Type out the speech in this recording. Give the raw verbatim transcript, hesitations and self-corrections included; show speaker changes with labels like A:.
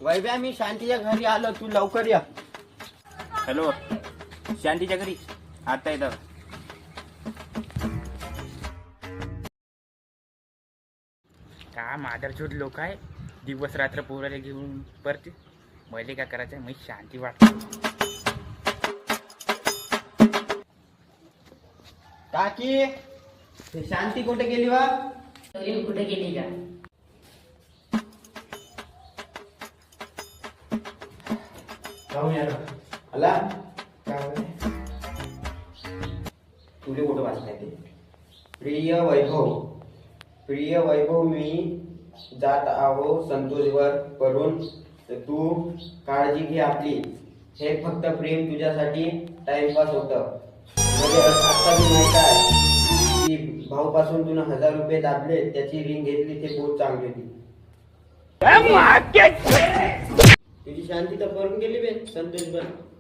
A: वैभ्या मी शांतीच्या घरी आलो, तू लवकर या.
B: हॅलो, शांतीच्या घरी आता येतं. का मादरचोद लोक आहे, दिवस रात्र पोराला घेऊन परते. मले काय करायचंय, मी शांती वाटते.
A: काकी, हे शांती कुठे गेली वा?
C: कुठे गेली का?
A: आला तुले कुठं वाचताय ते? प्रिय वैभव, प्रिय वैभव, मी जात आहो संतोषवर करून, तू काळजी घे आपली. हे फक्त प्रेम तुझ्यासाठी टाइमपास होतं. म्हणजे आता मी माहित आहे की भाऊ पासून तुला हजार रुपये दाबले, त्याची रिंग घेतली, ते बहुत चांगली होती. तुझी शांती तर करून गेली बे संतोष बर.